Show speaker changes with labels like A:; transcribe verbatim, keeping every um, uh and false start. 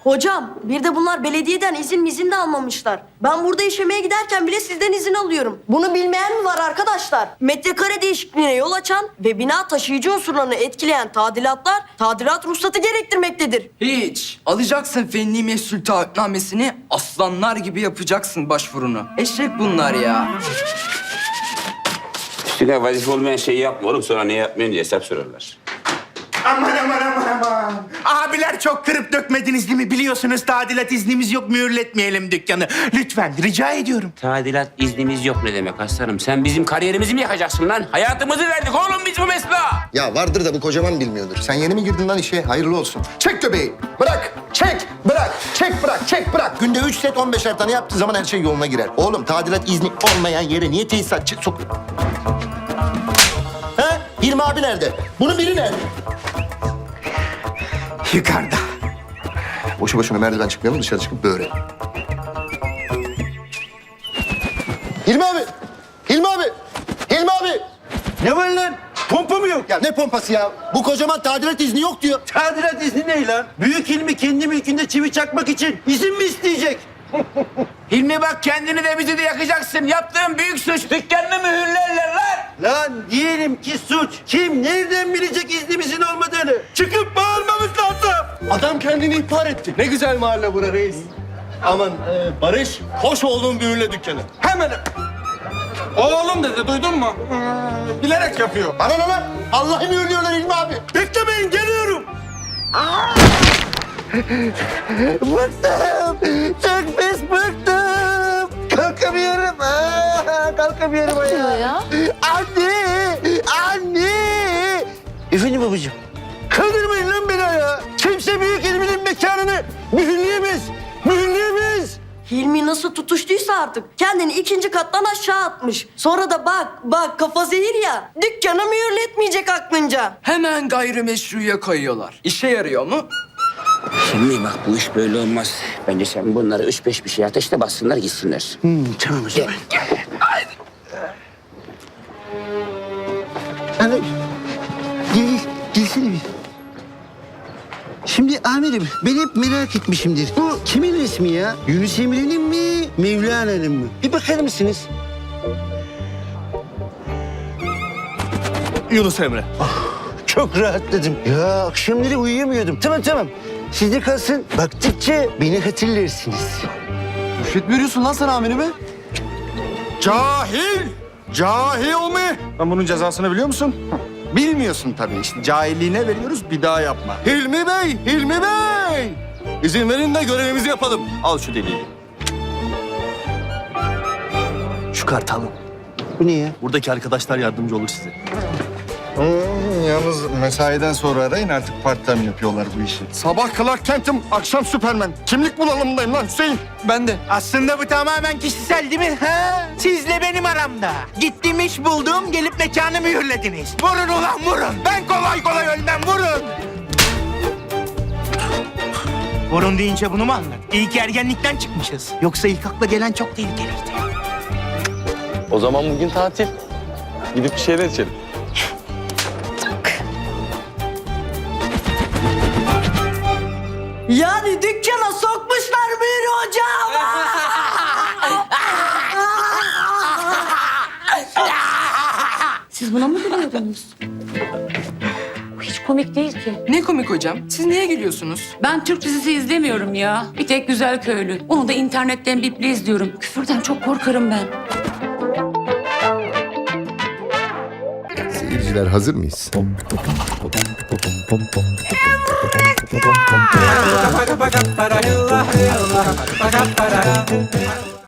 A: Hocam bir de bunlar belediyeden izin mizin de almamışlar. Ben burada işemeye giderken bile sizden izin alıyorum. Bunu bilmeyen mi var arkadaşlar? Metrekare değişikliğine yol açan ve bina taşıyıcı unsurlarını etkileyen tadilatlar tadilat ruhsatı gerektirmektedir.
B: Hiç. Alacaksın fenli mesul taahhütnamesini, aslanlar gibi yapacaksın başvurunu. Eşek bunlar ya.
C: Üstüne vazife olmayan şeyi yapma oğlum. Sonra ne yapmıyorsun diye hesap sorarlar.
D: Aman aman aman aman. Abiler çok kırıp dökmediniz değil mi? Biliyorsunuz tadilat iznimiz yok, mühürletmeyelim dükkanı. Lütfen rica ediyorum.
C: Tadilat iznimiz yok ne demek aslanım? Sen bizim kariyerimizi mi yakacaksın lan? Hayatımızı verdik oğlum biz bu mesleğe.
E: Ya vardır da bu kocaman bilmiyordur. Sen yeni mi girdin lan işe? Hayırlı olsun. Çek göbeği. Bırak. Çek. Bırak. Çek bırak. Çek bırak. Günde üç set on beşer tane yaptığı zaman her şey yoluna girer. Oğlum tadilat izni olmayan yere niye tesisatçı sok... Ha? Hilmi abi nerede? Bunun biri nerede?
D: Yukarıda.
E: Boşu boşuna merdiven çıkmayalım, dışarı çıkıp böyle. Hilmi abi! Hilmi abi! Hilmi abi!
F: Ne var lan? Pompa mı yok?
E: Ya ne pompası ya? Bu kocaman tadilat izni yok diyor.
F: Tadilat izni ne lan? Büyük Hilmi kendi mülkünde çivi çakmak için izin mi isteyecek?
C: Hilmi bak kendini de bizi de yakacaksın. Yaptığın büyük suç. Dükkanını mühürlerler lan.
F: Lan diyelim ki suç. Kim nereden bilecek iznimizin olmadığını? Çıkıp bağırmamız lazım.
G: Adam kendini ihbar etti. Ne güzel mahalle bura reis. Aman e, Barış, hoş olduğun büyüle dükkanı.
F: Hemen. Oğlum dedi duydun mu? Hmm, bilerek yapıyor.
E: Bana ne lan? Allah'ı mühürlüyorlar Hilmi abi.
F: Beklemeyin geliyorum.
E: Bıktım. Çok pis bıktım. Kalkamıyorum. Aa, kalkamıyorum ayağa.
H: ya?
E: Anne! Anne!
F: Efendim babacığım. Kaldırmayın lan beni ayağa. Kimse büyük Hilmi'nin mekanını mühürleyemez. Mühürleyemez.
A: Hilmi nasıl tutuştuysa artık kendini ikinci kattan aşağı atmış. Sonra da bak bak kafa zehir ya, dükkanı mühürletmeyecek aklınca.
B: Hemen gayrimeşruya kayıyorlar. İşe yarıyor mu?
C: Hilmi bak bu iş böyle olmaz. Bence sen bunları üç beş bir şey ateşte bassınlar gitsinler.
F: Hmm, tamam o zaman. Ana, gel, gelsene bir. Şimdi amirim, ben hep merak etmişimdir. Bu kimin resmi ya? Yunus Emre'nin mi, Mevlana'nın mı? Bir bakar mısınız?
G: Yunus Emre.
F: Çok rahatladım. Ya akşamları uyuyamıyordum. Tamam tamam. Sizde kalsın. Baktıkça beni hatırlarsınız.
G: Rüşvet mi veriyorsun lan sen amirime? Cahil! Cahil mi? Ben bunun cezasını biliyor musun? Bilmiyorsun tabii. İşte cahilliğine veriyoruz, bir daha yapma. Hilmi Bey! Hilmi Bey! İzin verin de görevimizi yapalım. Al şu deliği. Şu kartı alın.
F: Bu ne ya?
G: Buradaki arkadaşlar yardımcı olur size.
E: Hmm, yalnız mesaiden sonra arayın, artık part time yapıyorlar bu işi.
G: Sabah Clark Kent'im, akşam Süpermen. Kimlik bulalımdayım lan Hüseyin. Ben de.
D: Aslında bu tamamen kişisel değil mi? Ha? Sizle benim aramda. Gittim iş buldum, gelip mekanı mühürlediniz. Vurun ulan vurun. Ben kolay kolay ölmem, vurun. Vurun deyince bunu mu anladın? İyi ki ergenlikten çıkmışız. Yoksa ilk akla gelen çok tehlikeliydi.
G: O zaman bugün tatil. Gidip bir şeyler içelim.
A: Yani dükkana sokmuşlar mühür hocam.
H: Siz buna mı gülüyordunuz? Bu hiç komik değil ki.
B: Ne komik hocam. Siz niye gülüyorsunuz?
H: Ben Türk dizisi izlemiyorum ya. Bir tek Güzel Köylü. Onu da internetten biple izliyorum. Küfürden çok korkarım ben.
E: Seyirciler hazır mıyız?